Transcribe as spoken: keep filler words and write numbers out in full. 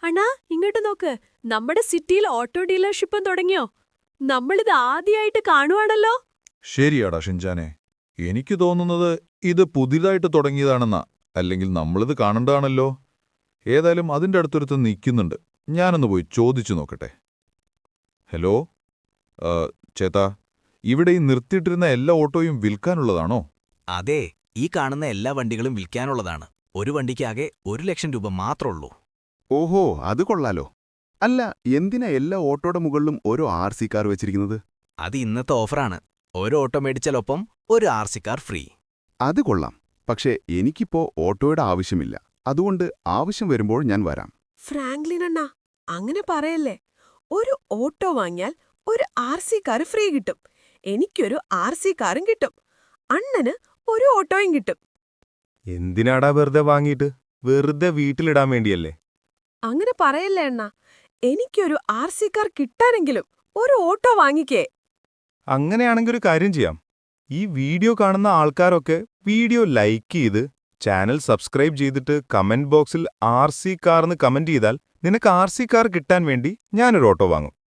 അണ്ണാ ഇങ്ങോട്ട് നോക്ക്. നമ്മുടെ സിറ്റിയിൽ ഓട്ടോ ഡീലർഷിപ്പും തുടങ്ങിയോ? നമ്മളിത് ആദ്യമായിട്ട് കാണുവാണല്ലോ. ശരിയാടാ ഷിൻചാനെ, എനിക്ക് തോന്നുന്നത് ഇത് പുതിയതായിട്ട് തുടങ്ങിയതാണെന്നാ. അല്ലെങ്കിൽ നമ്മളിത് കാണണ്ടാണല്ലോ. ഏതായാലും അതിൻ്റെ അടുത്തൊരുത്ത് നിൽക്കുന്നുണ്ട്. ഞാനൊന്ന് പോയി ചോദിച്ചു നോക്കട്ടെ. ഹലോ, ആ, ചേട്ടാ, ഇവിടെ ഈ നിർത്തിയിട്ടിരുന്ന എല്ലാ ഓട്ടോയും വിൽക്കാനുള്ളതാണോ? അതെ, ഈ കാണുന്ന എല്ലാ വണ്ടികളും വിൽക്കാനുള്ളതാണ്. ഒരു വണ്ടിക്കാകെ ഒരു ലക്ഷം രൂപ മാത്രമുള്ളൂ. ഓഹോ, അത് കൊള്ളാലോ. അല്ല, എന്തിനാ എല്ലാ ഓട്ടോയുടെ മുകളിലും ഓരോ ആർ സി കാർ വെച്ചിരിക്കുന്നത്? അത് ഇന്നത്തെ ഓഫറാണ്. ഓരോ ഓട്ടോ മേടിച്ചാലൊപ്പം ഒരു ആർ സി കാർ ഫ്രീ. അത് കൊള്ളാം. പക്ഷേ എനിക്കിപ്പോ ഓട്ടോയുടെ ആവശ്യമില്ല. അതുകൊണ്ട് ആവശ്യം വരുമ്പോൾ ഞാൻ വരാം. ഫ്രാങ്ക്ലിൻ അണ്ണാ, അങ്ങനെ പറയല്ലേ. ഒരു ഓട്ടോ വാങ്ങിയാൽ ഒരു ആർ സി കാർ ഫ്രീ കിട്ടും. എനിക്കൊരു ആർ സി കാറും കിട്ടും. അണ്ണന് ഒരു ഓട്ടോയും കിട്ടും. എന്തിനാടാ വെറുതെ വാങ്ങിയിട്ട്? വെറുതെ വീട്ടിലിടാൻ വേണ്ടിയല്ലേ? അങ്ങനെ പറയല്ലേ അണ്ണാ. എനിക്കൊരു ആർ സി കാർ കിട്ടാനെങ്കിലും ഒരു ഓട്ടോ വാങ്ങിക്കേ. അങ്ങനെയാണെങ്കിൽ ഒരു കാര്യം ചെയ്യാം. ഈ വീഡിയോ കാണുന്ന ആൾക്കാരൊക്കെ വീഡിയോ ലൈക്ക് ചെയ്ത് ചാനൽ സബ്സ്ക്രൈബ് ചെയ്തിട്ട് കമന്റ് ബോക്സിൽ ആർ സി കാർന്ന് കമന്റ് ചെയ്താൽ നിനക്ക് ആർ സി കാർ കിട്ടാൻ വേണ്ടി ഞാനൊരു ഓട്ടോ വാങ്ങും.